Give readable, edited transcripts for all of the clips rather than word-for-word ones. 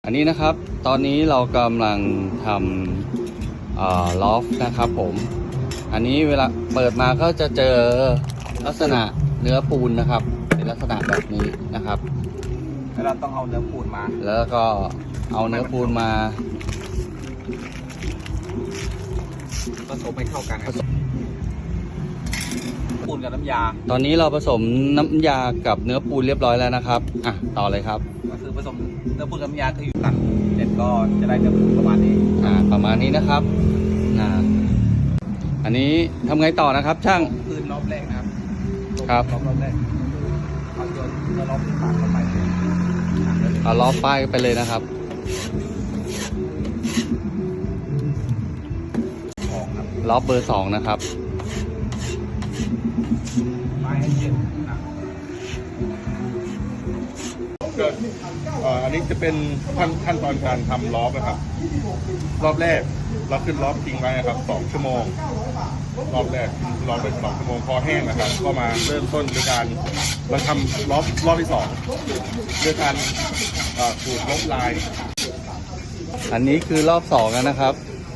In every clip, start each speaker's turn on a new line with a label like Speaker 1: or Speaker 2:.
Speaker 1: อันนี้นะครับตอนนี้เรากำลังทำลอฟนะครับผมอันนี้เวลาเปิดมาก็จะเจอลักษณะเนื้อปูนนะครับเป็นลักษณะแบบนี้นะครับ
Speaker 2: แล้วเราต้องเอาเนื้อปูนมา
Speaker 1: แล้วก็เอาเนื้อปูนมา
Speaker 2: ผสมให้เข้ากันปูนกับน้ำยา
Speaker 1: ตอนนี้เราผสมน้ำยากับเนื้อปูนเรียบร้อยแล้วนะครับต่อเลยครับ
Speaker 2: ก็คือผสมเนื้อปูนกับน้ำยาคืออยู่กันเสร็จก็จะได้เนื้อปูนประมาณนี้
Speaker 1: ประมาณนี้นะครับอันนี้ทำไงต่อนะครับช่าง
Speaker 2: คืนรอบแรกนะครับ
Speaker 1: ครับ
Speaker 2: รอบแรกเอาโยนรอบที่สามเข้าไป
Speaker 1: เอาล้อป้ายไปเลยนะครับล้อเบอร์2นะครับ
Speaker 2: ป้ายให้เย็น
Speaker 3: อันนี้จะเป็นขั้นตอนการทำล้อนะครับรอบแรกเราขึ้นล้อทิ้งไว้นะครับ2 ชั่วโมงรอบแรกล้อไป2 ชั่วโมงพอแห้งนะครับก็มาเริ่มต้นด้วยการมาทำรอบที่2ด้วยการขูดลบลาย
Speaker 1: อันนี้คือรอบ2แล้วนะครับ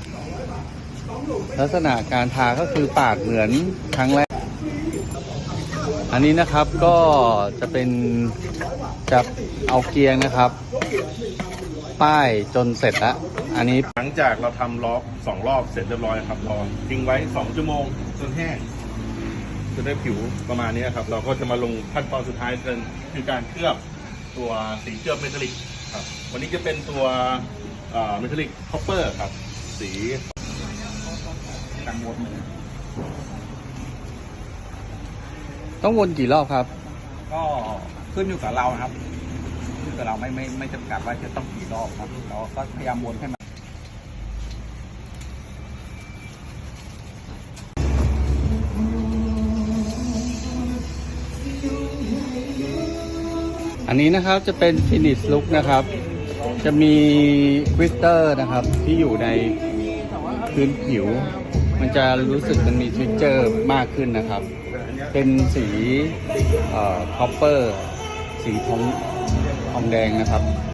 Speaker 1: ลักษณะการทาก็คือปาดเหมือนครั้งแรกอันนี้นะครับก็จะเป็นจะเอาเกียงนะครับป้ายจนเสร็จแล้วอันนี้
Speaker 3: หลังจากเราทำล้อ2 รอบเสร็จเรียบร้อยครับเราทิ้งไว้2 ชั่วโมงจนแห้งจะได้ผิวประมาณนี้ครับเราก็จะมาลงขั้นตอนสุดท้ายกันคือการเคลือบตัวสีเคลือบเมทัลลิกครับวันนี้จะเป็นตัวเมทัลลิกคอปเปอร์ครับสี
Speaker 2: การวน
Speaker 1: ต้องวนกี่รอบครับ
Speaker 2: ก็ขึ้นอยู่กับเราครับขึ้นกับเราไม่จำกัดว่าจะต้องกี่รอบครับเราก็พยายามวนให้มัน
Speaker 1: อันนี้นะครับจะเป็น finish look นะครับจะมีกริตเตอร์นะครับที่อยู่ในพื้นผิวมันจะรู้สึกมันมีเท็กเจอร์มากขึ้นนะครับเป็นสีคอปเปอร์สีทองแดงนะครับ